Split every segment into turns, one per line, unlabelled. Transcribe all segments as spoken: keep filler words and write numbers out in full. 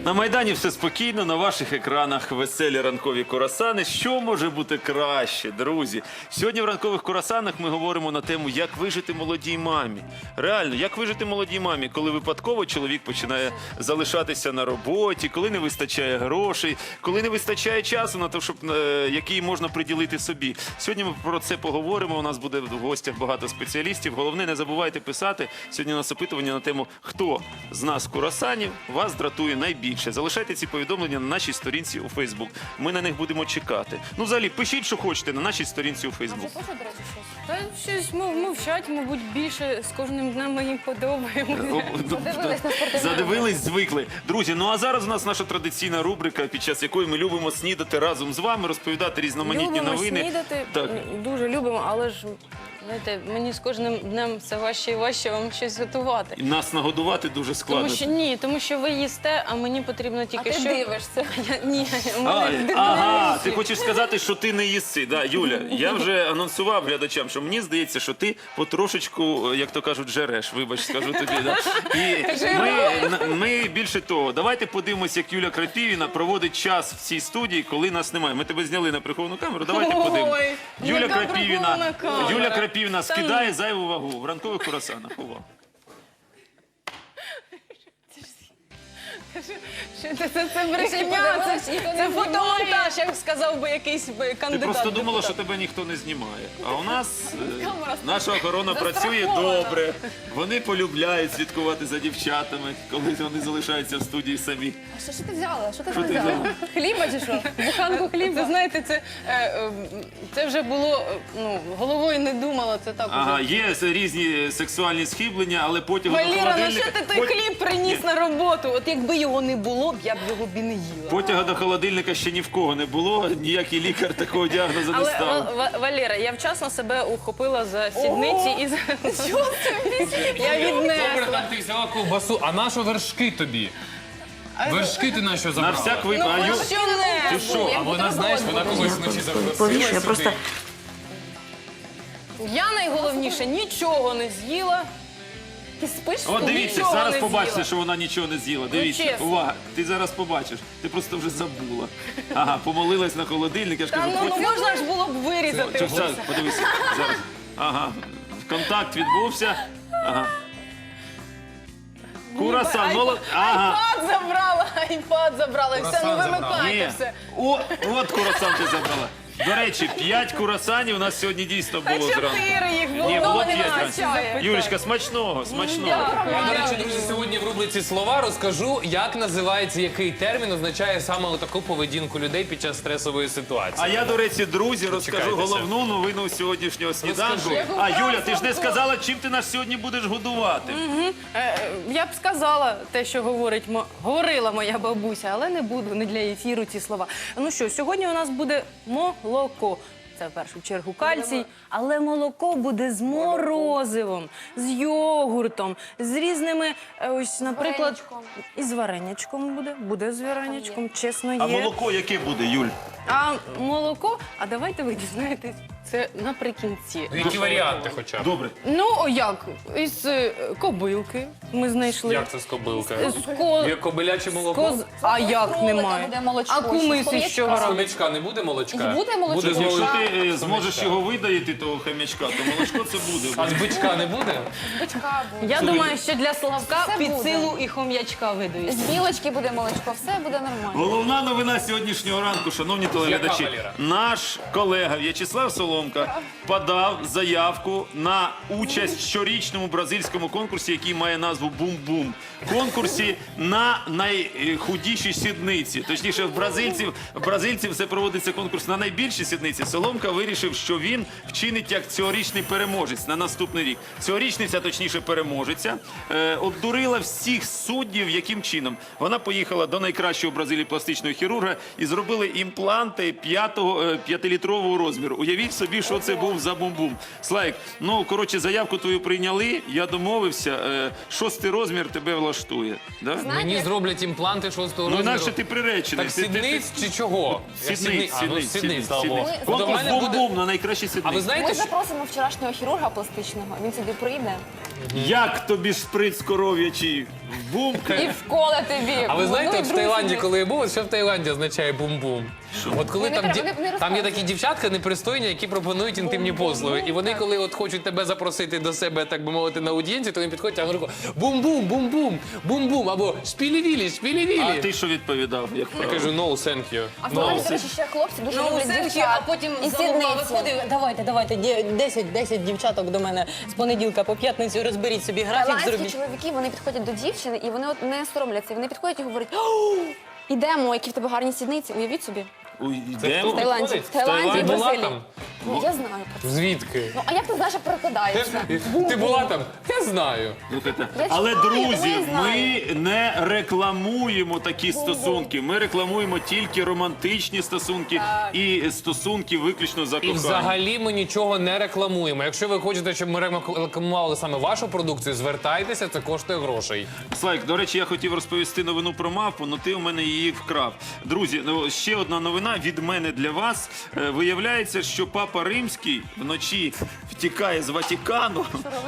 На Майдані все спокійно, на ваших екранах веселі ранкові курасани. Що може бути краще, друзі? Сьогодні в ранкових курасанах ми говоримо на тему, як вижити молодій мамі. Реально, як вижити молодій мамі, коли випадково чоловік починає залишатися на роботі, коли не вистачає грошей, коли не вистачає часу на те, щоб, е, який можна приділити собі. Сьогодні ми про це поговоримо, у нас буде в гостях багато спеціалістів. Головне, не забувайте писати. Сьогодні у нас опитування на тему, хто з нас курасанів вас дратує найбільше. Залишайте ці повідомлення на нашій сторінці у Фейсбук. Ми на них будемо чекати. Ну, взагалі, пишіть, що хочете на нашій сторінці у Фейсбук.
А вже пише, до речі, щось?
Та щось мов- мовчать, мабуть, більше з кожним днем мені подобається.
Задивились на спортивну
Задивились, звикли. Друзі, ну а зараз у нас наша традиційна рубрика, під час якої ми любимо снідати разом з вами, розповідати різноманітні
Любимо
новини.
снідати,
Так.
дуже любимо, але ж, знаєте, мені з кожним днем все важче і важче вам щось готувати.
І нас нагодувати дуже складно.
Тому що ні, тому що ви їсте, а мені потрібно
А
тільки
ти
що...
дивишся.
Я, ні, у
А,
мене
ага, ти хочеш сказати, що ти не їси. Да, Юля, я вже анонсував глядачам, що мені здається, що ти потрошечку, як то кажуть, жереш. Вибач, скажу тобі. Да. І ми, ми більше того, давайте подивимося, як Юля Крапівіна проводить час в цій студії, коли нас немає. Ми тебе зняли на приховану камеру, давайте
Ой,
подивимося. Юля
яка
Крапівіна,
прихована камера.
Юля Крапівіна
Та
скидає зайву вагу в ранкових курасанах. Увага.
Що це, це, це брехня,
подивилась,
це,
ніхто не
це
знімає.
фотомонтаж, як сказав би якийсь би
Ти
кандидат.
просто думала, що
депутат.
тебе ніхто не знімає. А у нас е,
Камера
наша охорона працює
застрахована.
добре. Вони полюбляють слідкувати за дівчатами, коли вони залишаються в студії самі.
А що, що ти взяла? Що ти
Що
там
ти
взяла?
взяла?
Хліба чи що?
Буханку хліба. Це, знаєте, це, е, е, це вже було, е, ну, головою не думала, це так
Ага,
уже.
є різні сексуальні схиблення, але потягу до
Валіра, ну
холодильника...
що ти той
пот-
хліб приніс на роботу? От якби його не було, б я б його б і не їла.
Потяга до холодильника ще ні в кого не було, ніякий лікар такого діагнозу не
Але,
ставив.
Ва- Ва- Валера, я вчасно себе ухопила за сідниці і за... Я
Добре,
віднесла.
там ти взяла ковбасу, а на що вершки тобі? Вершки ти на що
На
забрала?
всяк
Ну,
випадок. А Ю-
що не?
Ти що?
А вона, знаєш, вона колись вночі
Повішу,
запросила
я просто-
сюди.
Я найголовніше нічого не з'їла.
Ти спиш?
От дивіться,
Нічого
зараз
не
побачите,
з'їла.
що вона нічого не з'їла. Дивіться,
чесно.
увага, ти зараз побачиш. Ти просто вже забула. Ага, помолилась на холодильник, я ж
Та
кажу,
ну
хоч-
можна ж було б вирізати.
Чо, зараз, подивися, зараз. Ага, контакт відбувся. Ага. Курасан, молод... Ага.
Айпад забрала, айпад забрала, і все, ну
Курасан забрала.
вимикайте
Є.
все.
О, от курасан ти забрала. До речі, п'ять курасанів у нас сьогодні дійсно
Та
було зранку.
чотири їх було.
Ні, було
Ну, не
п'ять
вистачає.
зранку. Юлічка, смачного, смачного.
Я, до речі, друзі, сьогодні в рубриці «Слова» розкажу, як називається, який термін означає саме таку поведінку людей під час стресової ситуації.
А я, до речі, друзі, розкажу
Дочекайтеся.
головну новину сьогоднішнього сніданку.
Розкажи.
А, Юля, ти ж не сказала, чим ти нас сьогодні будеш годувати.
Е, е, Я б сказала те, що говорить, мо- говорила моя бабуся, але не буду, не для ефіру ці слова. Ну що, сьогодні у нас буде молоко. Це в першу чергу кальцій, але молоко буде з морозивом, з йогуртом, з різними, е, ось, наприклад,
Вареничком.
і з вареничком буде, буде з вареничком, чесно є.
А молоко яке буде, Юль?
А молоко, а давайте ви дізнаєтесь, це наприкінці.
Ну, які варіанти хоча б?
Добре.
Ну, о, як? Із е, кобилки ми знайшли.
Як це з кобилки?
З ко...
Є кобиляче молоко?
Коз... А як
кролика
немає?
буде молочко,
А кумиси
ще
з чого
А з
робить?
хомячка не буде молочка?
Буде молочко.
Буде з
Якщо
молочка.
ти е, зможеш його видаїти, того хам'ячка, то молочко це буде.
А з бичка не буде?
Бичка буде.
Я думаю, що для Славка
Все
під
буде.
силу і хом'ячка
З
видають.
білочки буде молочко, все буде нормально.
Головна новина сьогоднішнього ранку, шановні телеглядачі.
Яка, Валера?
Наш колега В'ячеслав Соломка подав заявку на участь в щорічному бразильському конкурсі, який має назву «Бум-бум». Конкурсі на найхудіші сідниці. Точніше, в бразильців, в бразильців це проводиться конкурс на найбільші сідниці. Соломка вирішив, що він вчинить як цьогорічний переможець на наступний рік. Цьогорічниця, точніше переможеця, е, обдурила всіх суддів, яким чином. Вона поїхала до найкращого в Бразилії пластичного хірурга і зробили імпланти п'ятого, е, п'ятилітрового розміру. Уявіть собі, що це був за бум-бум. Слайк, ну, коротше, заявку твою прийняли, я домовився, е, шостий розмір тебе влаштує. Да?
Мені зроблять імпланти шостого
Ну,
розміру.
інакше ти приречений.
Так
Ти- ти- ти-
сідниць чи чого? Я
Сідниць,
А, ну,
сідниць,
сідниць, слава
сідниць.
Богу. Ну, до
Конкурс
мене буде...
бум-бум на найкращі
А ви
сідниці.
знаєте,
Ми
що...
запросимо вчорашнього хірурга пластичного, він сюди прийде.
Як тобі шприц коров'ячий? Бум!
І вколе тобі.
А ви знаєте,
Ну, і
от в
друзі
Таїланді,
ми.
коли я був, от що в Таїланді означає бум-бум? От коли
Не
там,
треба,
ді-
не- не
там є
розказуй.
такі дівчатка непристойні, які пропонують інтимні послуги. І вони, коли от хочуть тебе запросити до себе, так би мовити, на аудієнцію, то вони підходять, а вони кажуть бум-бум, бум-бум, бум-бум, або шпілі-вілі,
А
шпілі-вілі.
ти що відповідав? Як
Я
правило?
кажу, no, thank you.
А в
No.
Таїланді, до речі, ще хлопці дуже
Ну,
люблять
все-таки,
дівчат.
а потім
І
за угла
сідниці.
виходив, давайте, давайте, ді- десять, десять дівчаток до мене з понеділка по п'ятницю розберіть собі графік,
Тайландські
зробіть.
чоловіки, вони підходять до дівчини, і вони от не соромляться. Вони підходять і говорять: «О, ідемо, які в тебе гарні сідниці. Уявіть собі.
Ой,
Це
йдемо?
В Таїланді.
Виходить?
В Таїланді і
Таїланді?
Була
Бразилії.
там?
Ну, я знаю про це.
Звідки?
Ну, а як ти знаєш, як перекладається?
Ти була там? Я знаю.
Слухайте,
Я
але,
читаю, тому
друзі,
я знаю.
ми не рекламуємо такі стосунки. Ми рекламуємо тільки романтичні стосунки і стосунки виключно за
І
кохання.
взагалі ми нічого не рекламуємо. Якщо ви хочете, щоб ми рекламували саме вашу продукцію, звертайтеся, це коштує грошей.
Слайк, до речі, я хотів розповісти новину про мавпу, але ти у мене її вкрав. Друзі, ну, ще одна новина від мене для вас. Е, Виявляється, що Папа Римський вночі втікає з Ватикану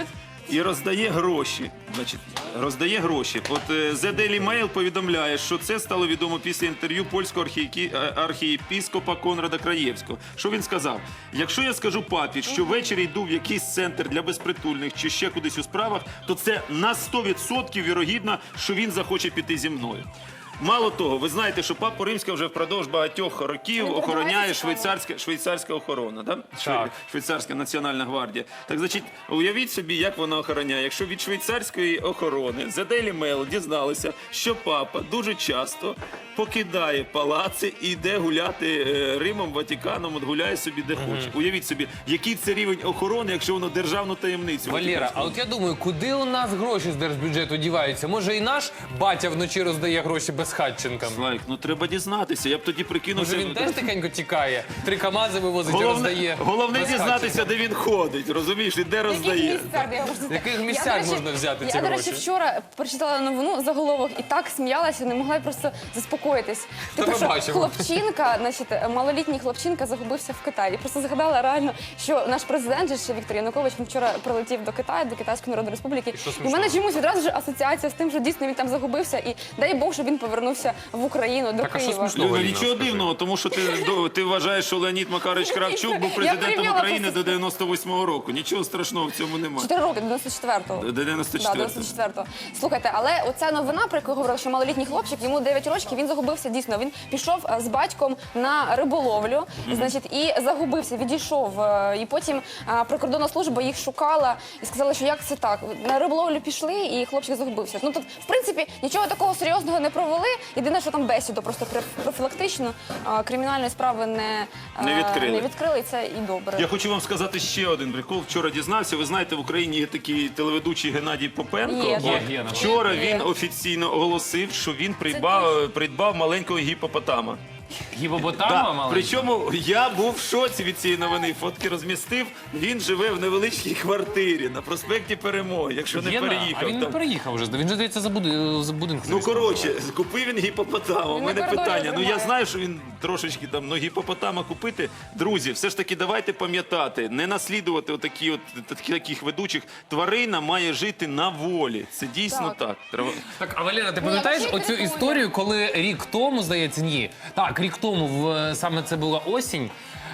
і роздає гроші. Значить, роздає гроші. От е, The Daily Mail повідомляє, що це стало відомо після інтерв'ю польського архієкі- е, архієпіскопа Конрада Краєвського. Що він сказав? Якщо я скажу папі, що ввечері йду в якийсь центр для безпритульних чи ще кудись у справах, то це на сто відсотків вірогідно, що він захоче піти зі мною. Мало того, ви знаєте, що Папа Римська вже впродовж багатьох років
Він
охороняє
передавається
швейцарська, швейцарська охорона, да?
Так.
Швейцарська національна гвардія. Так, значить, уявіть собі, як вона охороняє. Якщо від швейцарської охорони The Daily Mail дізналися, що папа дуже часто покидає палаци і йде гуляти е, Римом, Ватиканом, от гуляє собі де хоче. Уявіть собі, який це рівень охорони, якщо воно державну таємницю.
Валера, а от я думаю, куди у нас гроші з держбюджету діваються? Може і наш батя вночі роздає гроші безхатченкам?
Слайк, ну треба дізнатися. Я б тоді прикинувся.
Може він теж тихенько тікає? Три камази вивозить і
Головне,
роздає.
головне
безхатченкам?
дізнатися, де він ходить, розумієш, і де
В
роздає.
яких місцях, я можу сказати.
В яких
Я,
місцях
до речі,
можна взяти
я,
ці
до
гроші?
речі, вчора прочитала новину заголовок і так сміялася, не могла просто заспокоїтись. Типу,
ми
що
бачимо.
хлопчинка, значить, малолітній хлопчинка загубився в Китаї. Просто згадала реально, що наш президент же ще Віктор Янукович він вчора прилетів до Китаю, до Китайської Народної Республіки. І в мене чомусь відразу ж асоціація з тим, що дійсно він там загубився, і дай Бог, щоб він повернувся в Україну до
Так, а що
Києва.
смішного?
Ну,
Аліна,
нічого
скажи.
дивного, тому що ти, до- ти вважаєш, що Леонід Макарович Кравчук був
Я
президентом
порівняла
України
просто
до дев'яносто восьмого року. Нічого страшного в цьому немає.
Чотири роки, до дев'яносто четвертого.
До дев'яносто
Да,
четвертого.
дев'яносто четвертого. Слухайте, але оця новина, про яку я говорила, що малолітній хлопчик, йому дев'ять років, він загубився дійсно. Він пішов е, з батьком на риболовлю, значить, і загубився, відійшов. е, І потім е, прикордонна служба їх шукала і сказала, що як це так? На риболовлю пішли, і хлопчик загубився. Ну тут, в принципі, нічого такого серйозного не провели. Єдине, що там бесіду просто пр- профілактично е, кримінальної справи не, е,
Не відкрили.
не відкрили, і це і добре.
Я хочу вам сказати ще один прикол. Вчора дізнався. Ви знаєте, в Україні є такий телеведучий Геннадій Попенко.
Є,
От
є.
Вчора
Є.
він офіційно оголосив, що він придбав, придбав маленького гіпопотама.
Гіпопотама,
Да.
маленька?
Причому я був в шоці від цієї новини. Фотки розмістив. Він живе в невеличкій квартирі на проспекті Перемоги, якщо не
Є на-
переїхав.
А він не
там.
переїхав вже. Він же, здається, за, буди... за будинком.
Ну коротше, купив він гіпопотама. У
Він
мене
на коридорі
питання. Ну я
тримає.
знаю, що він трошечки там, ну гіпопотама купити. Друзі, все ж таки давайте пам'ятати, не наслідувати отакі от такі- таких ведучих. Тварина має жити на волі. Це дійсно
Так.
так. Треба.
Так, а Валера, ти
Ні,
пам'ятаєш
взагалі
оцю
прикольно.
історію, коли рік тому, здається, ні. Так, рік тому, в, саме це була осінь.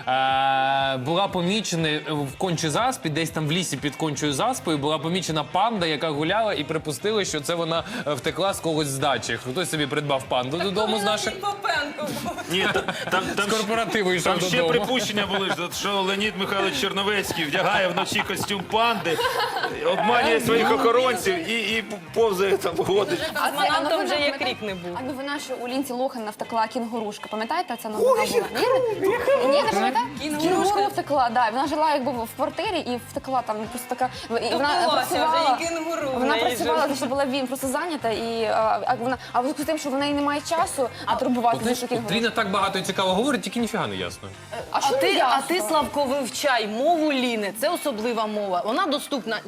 Е, була помічена в кончій заспі, десь там в лісі під кончою заспою, була помічена панда, яка гуляла, і припустили, що це вона е, втекла з когось з дачі. Хтось собі придбав панду додому з наших
Ні, та- там, там,
з корпоративу йшов
там ще
додому.
припущення були, що Леонід Михайлович Черновецький вдягає вночі костюм панди, обманює своїх охоронців і, і повзає там ходить.
А це
Манантом
новина,
вже як
пам'ятаєте?
рік не був.
А новина, що у Лінці Лохана втекла кінгурушка. Пам'ятаєте, ця новина була? Ні, не- Ні, не пам'ятаєте? Кінгуру втекла, да. Вона жила якби в квартирі і втекла там просто така. І вона
Топилася вже,
працювала.
і кінгуру в
Вона
неї
працювала,
жила.
значить, була він просто зайнята і а, а вона, а в зв'язку з тим, що в неї немає часу, а турбуватися
Знаєш,
за
от
кінгуру.
Тріна так багато і цікаво говорить, тільки ніфіга не ясно.
А
А
що
ти,
не
а
ясно?
ти, Славко, вивчай мову Ліни. Це особлива мова. Вона доступна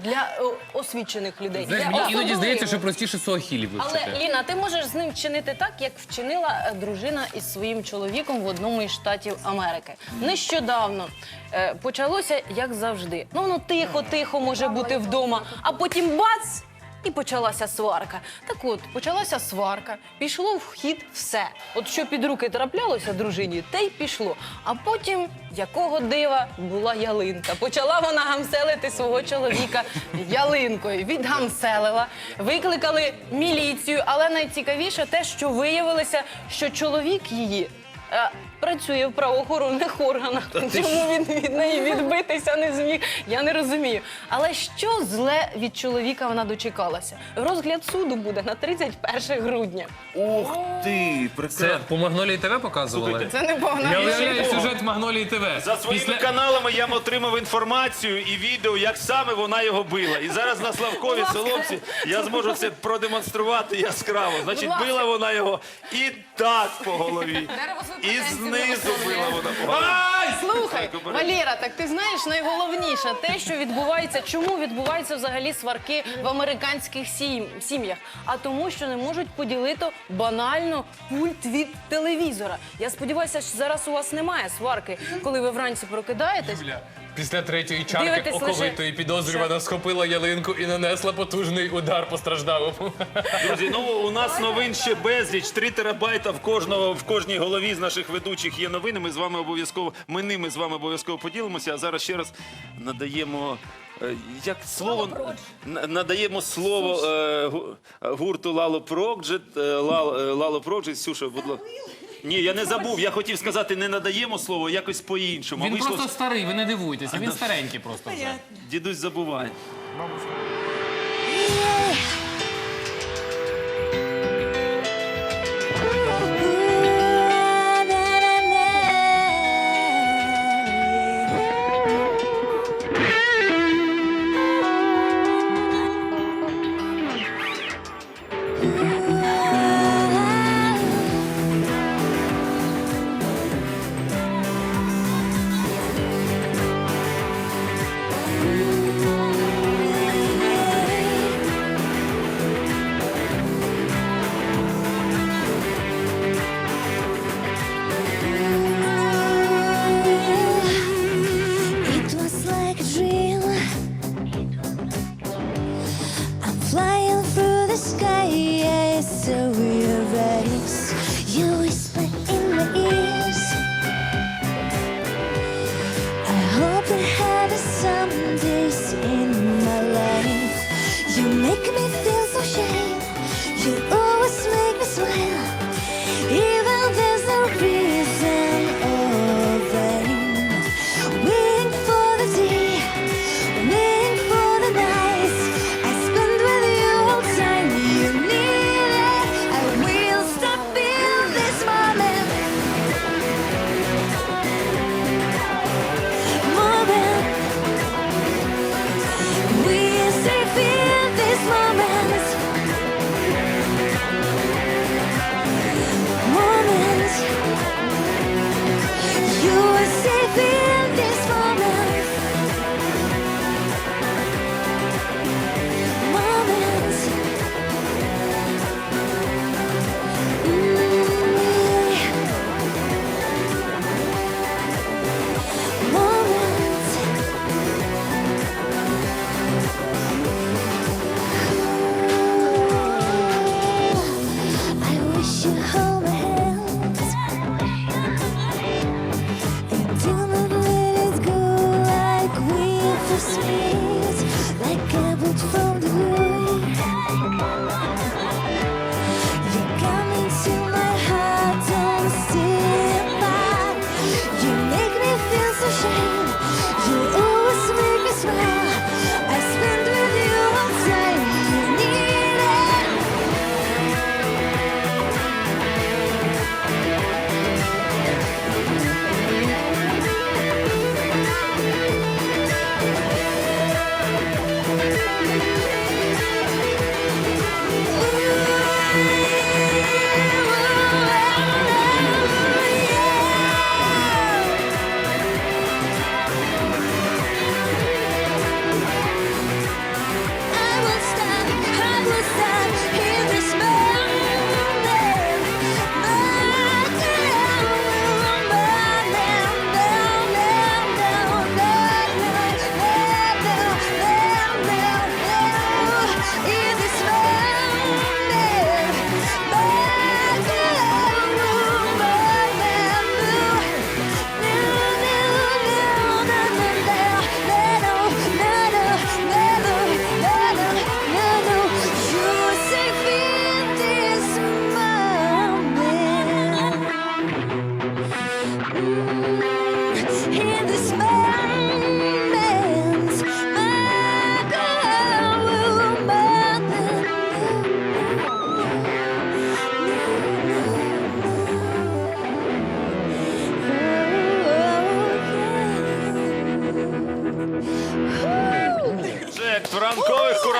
для о, освічених людей.
Знаєш,
для
мені іноді
особливих.
здається, що простіше суахілі
Але,
вивчити.
Ліна, ти можеш з ним вчинити так, як вчинила е, дружина із своїм чоловіком в одному із штатів Америки. Нещодавно е, почалося, як завжди. Ну, воно тихо-тихо може бути вдома, а потім бац! І почалася сварка. Так от, почалася сварка, пішло в хід все. От що під руки траплялося дружині, те й пішло. А потім, якого дива, була ялинка. Почала вона гамселити свого чоловіка ялинкою. Відгамселила, викликали міліцію, але найцікавіше те, що виявилося, що чоловік її е, працює в правоохоронних органах. Чому він від неї відбитися не зміг, я не розумію. Але що зле від чоловіка вона дочекалася? Розгляд суду буде на тридцять перше грудня.
Ух ти,
Це
прекрасно.
по Магнолії ТВ показували?
Це не погано.
Я уявляю сюжет Магнолії ТВ.
За своїми
Після-
каналами я отримав інформацію і відео, як саме вона його била. І зараз на Славковій Соломці я зможу це продемонструвати яскраво. Значить,
ласка.
била вона його і так по голові,
Дерево з
і
імпотенції
знизу
не
била вона по голові.
Ай, слухай,
Так, обережно.
Валера, так ти знаєш найголовніше те, що відбувається, чому відбуваються взагалі сварки в американських сім- сім'ях? А тому, що не можуть поділити банально пульт від телевізора. Я сподіваюся, що зараз у вас немає сварки, коли ви вранці прокидаєтесь.
Юля, Після третьої чарки
Дивитесь лише-
оковитої підозрювана схопила ялинку і нанесла потужний удар постраждалому.
Друзі, ну у нас новин ще безліч. Три терабайта в кожного в кожній голові з наших ведучих є новини. Ми з вами обов'язково ми ними з вами обов'язково поділимося. А зараз ще раз надаємо. е, Як слово на- надаємо слово е, гу- гурту Лало Проджет. Лало, Лало Проджет. Сюша, будь ласка. Ні, я не забув. Я хотів сказати, не надаємо слово, якось по-іншому.
Він
Вийшло,
просто старий, ви не дивуйтеся, він старенький просто вже.
дідусь забуває.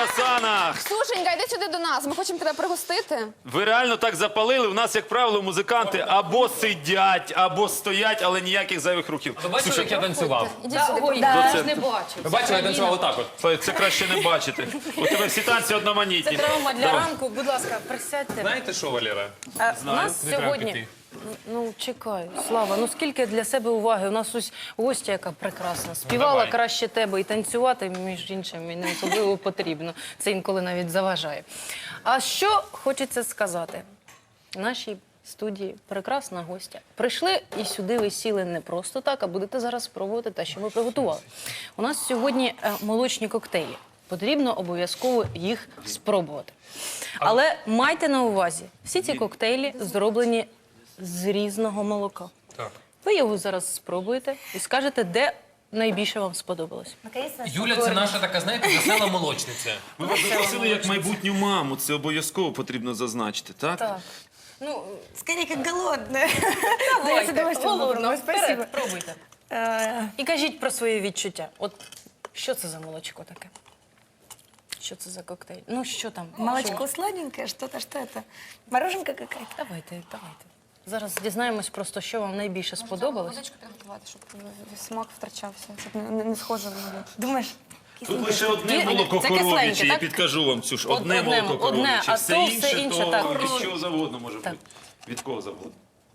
круасанах.
Сушенька, йди сюди до нас. Ми хочемо тебе пригостити.
Ви реально так запалили? У нас, як правило, музиканти або сидять, або стоять, але ніяких зайвих рухів.
Ви бачили, як я танцював?
Ідіть сюди.
Ой,
Да.
я ж не бачу.
Ви бачили, я танцював отак от.
Це краще не бачити. У тебе всі танці одноманітні.
Це травма для
Давай.
ранку. Будь ласка, присядьте.
Знаєте що, Валера?
А, у нас
Не треба
сьогодні.
піти.
Ну, чекай, Слава, ну скільки для себе уваги. У нас ось гостя, яка прекрасна. Співала
давай.
краще тебе і танцювати, між іншим, і не особливо потрібно. Це інколи навіть заважає. А що хочеться сказати? В нашій студії прекрасна гостя. Прийшли і сюди ви сіли не просто так, а будете зараз спробувати те, що ми приготували. У нас сьогодні е, молочні коктейлі. Потрібно обов'язково їх спробувати. Але майте на увазі, всі ці коктейлі зроблені з різного молока.
Так.
Ви його зараз спробуєте і скажете, де найбільше вам сподобалось.
Юля, це наша така, знаєте, весела молочниця.
Ми вас запросили як майбутню маму. Це обов'язково потрібно зазначити, так?
Так. Ну,
Скорее, как голодная.
давайте,
с удовольствием
голодно,
попробую, спасибо.
вперед, пробуйте.
Э,
І кажіть про свої відчуття. От що це за молочко таке? Що це за коктейль? Ну, що там?
Молочко сладенькое, что-то, что это? Мороженка какая-то?
Давайте, давайте. Зараз дізнаємось просто, що вам найбільше сподобалось.
Водичку підготувати, щоб смак втрачався, щоб не, не, не схоже на
Думаешь?
Тут лише одне
Ні,
молоко
це
коров'яче,
кисленьке,
я
так?
підкажу вам, Ксюш.
Од-
Одне
одне,
молоко
одне,
коров'яче.
а
Все
то
інше,
все інше,
то
так.
від чого завгодно може
Так.
бути. Від кого завгодно.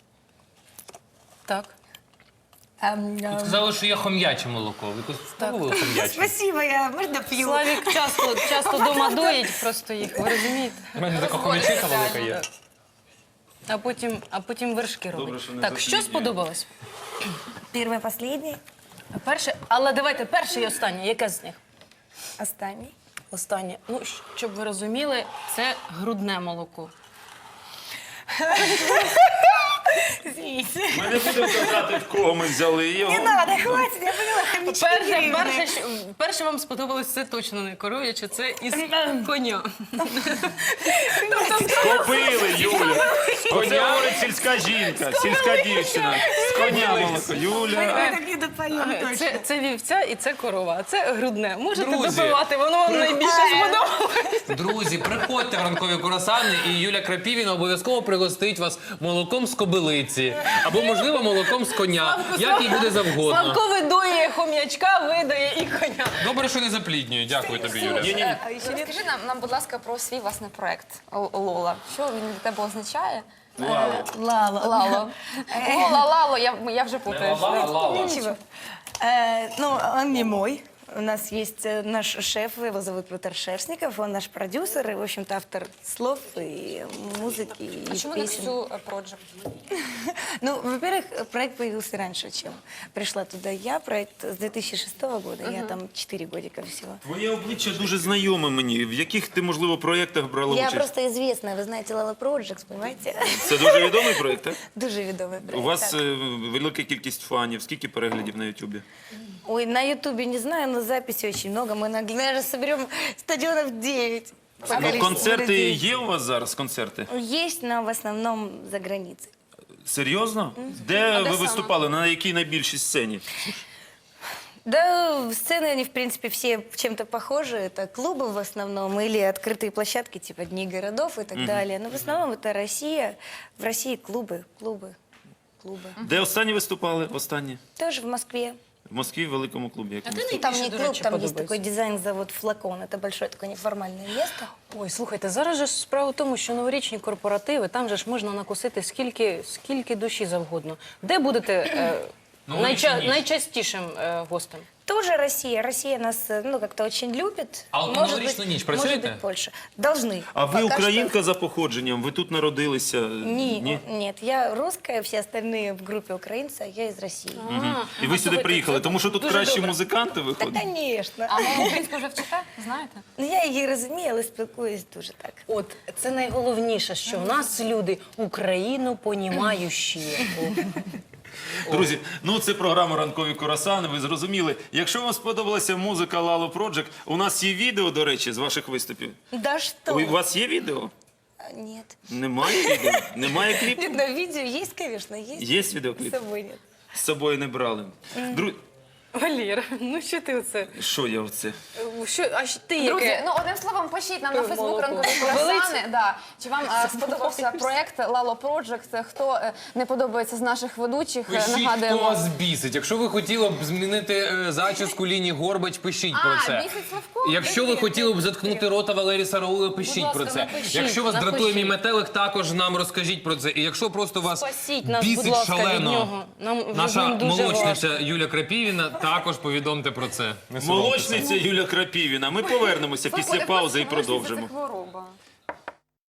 Так.
Ам, ам.
Сказали, що є хом'яче молоко. Ви якось спробували хом'яче?
Спасибо, я можно пью?
Славік часто, часто дома доїть просто їх, ви розумієте?
У мене така хом'ячиха велика є.
А потім, а потім вершки
Добре,
робить.
що не
Так, що
засліднює.
сподобалось?
Первое, последнее.
Перше, але давайте перше і останнє. Яке з них?
Останній.
Останнє. Ну, щоб ви розуміли, це грудне молоко.
Извините.
Ми не будемо казати, в кого ми взяли його.
Не надо, хватит, я поняла, хомячки
Перше,
гривны.
перше, що- перше вам сподобалось, це точно не коров'яче, це із коня.
Копили, Юля. Оце говорить сільська жінка, сільська дівчина. З коня молоко. Юля.
Мы так не допоем точно.
Це, це вівця і це корова, а це грудне. Можете
Друзі,
допивати, воно вам найбільше сподобалось.
Друзі, приходьте в ранкові курасани, і Юля Крапівіна обов'язково пригостить вас молоком з кобилиці. Або, можливо, молоком з коня. Як їй буде завгодно.
Славко видоє хом'ячка, видає і коня.
Добре, що не запліднює. Дякую тобі, Юля.
Е, Розкажи нам, нам, будь ласка, про свій власний проект Л- Лола. Що він для тебе означає?
Лало.
Лала.
Лало. Лола, Лало, я, я вже путаюсь.
Ничего. Э, ну, он не мой. У нас есть э, наш шеф, его зовут Петр Шерстников, он наш продюсер и, в общем-то, автор слов и музыки, и
А чому не
песен.
всю проджект?
Ну, во-первых, проект появился раньше, чем пришла туда я. Проект с две тысячи шестого года, я там четыре годика всего.
Твоє обличчя дуже знайоме мені. В яких ти, можливо, проєктах брала
Я
участь?
просто известная, вы знаете, Лала Projects, понимаете?
Це дуже відомий проєкт, так?
Дуже відомий проект.
У вас
так.
е, велика кількість фанів. Скільки переглядів на Ютубі?
Ой, на Ютубе не знаю, но записей очень много. Мы, наверное, соберем стадионов девять. по
Ну,
количеству
концерти
людей.
є у вас зараз? Концерти?
Есть, но в основном за границей.
Серйозно? Де ви виступали? На якій найбільшій сцені?
Да, сцены, они, в принципе, все чем-то похожи. Это клубы в основном или открытые площадки, типа Дни городов и так далее. Но в основном это Россия. В России клубы, клубы, клубы.
Де останні виступали? Останні?
Тоже в Москве.
В Москві в великому клубі. Якому?
Ну, там не
Найбільше, до
клуб,
речі,
там есть
подобається?
такой дизайн-завод «Флакон». Это большое такое неформальное место.
Ой, слухайте, зараз же ж справа в тому, що новорічні корпоративи, там же ж можна накусити скільки, скільки душі завгодно. Де будете е,
Новорічну
найча-
ніч.
найчастішим е, гостем?
Тоже Россия. Россия нас, э, ну, как-то очень любит.
А вот на
Может
новорічну
быть-
ніч
Может
працюєте?
быть, Польша. Должны.
А ви
Пока
українка
что-
за походженням? Ви тут народилися?
Не, нет, я русская, все остальные в группе украинцы, а я из России.
І ви сюди приїхали, тому що тут
дуже
кращі
добре.
музиканти
Да,
виходять?
конечно.
А ви українську вже вчите, знаєте?
Ну, я її розумію, але спілкуюсь дуже так.
От це найголовніше, що в нас люди Україну понімаючі.
Друзі, ну це програма «Ранкові курасани», ви зрозуміли. Якщо вам сподобалася музика Lalo Project, у нас є відео, до речі, з ваших виступів.
Да что?
У вас є відео?
А, Нет.
Немає відео? Немає кліпу?
Нет, но видео есть, конечно, есть.
Є
С
відеокліп?
собой нет.
З собою не брали. Дру...
Валір, ну що ти оце?
Що я оце?
Що, а ж ти
Друзі,
яке?
ну одним словом, пишіть нам на
Е,
Фейсбук
молоко.
ранкові круасани. Да. Чи вам е, сподобався проект Лало Project? Хто е, не подобається з наших ведучих? е,
Пишіть, хто
Нагадуємо.
вас бісить. Якщо ви хотіли б змінити е, зачіску Ліні Горбач, пишіть про
А,
це.
бісить Славко?
Якщо ви хотіли б заткнути рота Валерії Сараула, пишіть
ласка,
про це.
напишіть,
Якщо вас
напишіть.
дратує мій метелик, також нам розкажіть про це. І якщо просто вас
Спасіть нас, будь
бісить
ласка, від
шалено
нього. Нам вже з
наша
ним дуже
молочниця
важко.
Юля Крапівіна, також повідомте про це. Не соромтеся.
Молочниця Юля Крапівіна. Ми повернемося
Славко,
після
не
паузи і
хочеш, що
продовжимо.
це хвороба.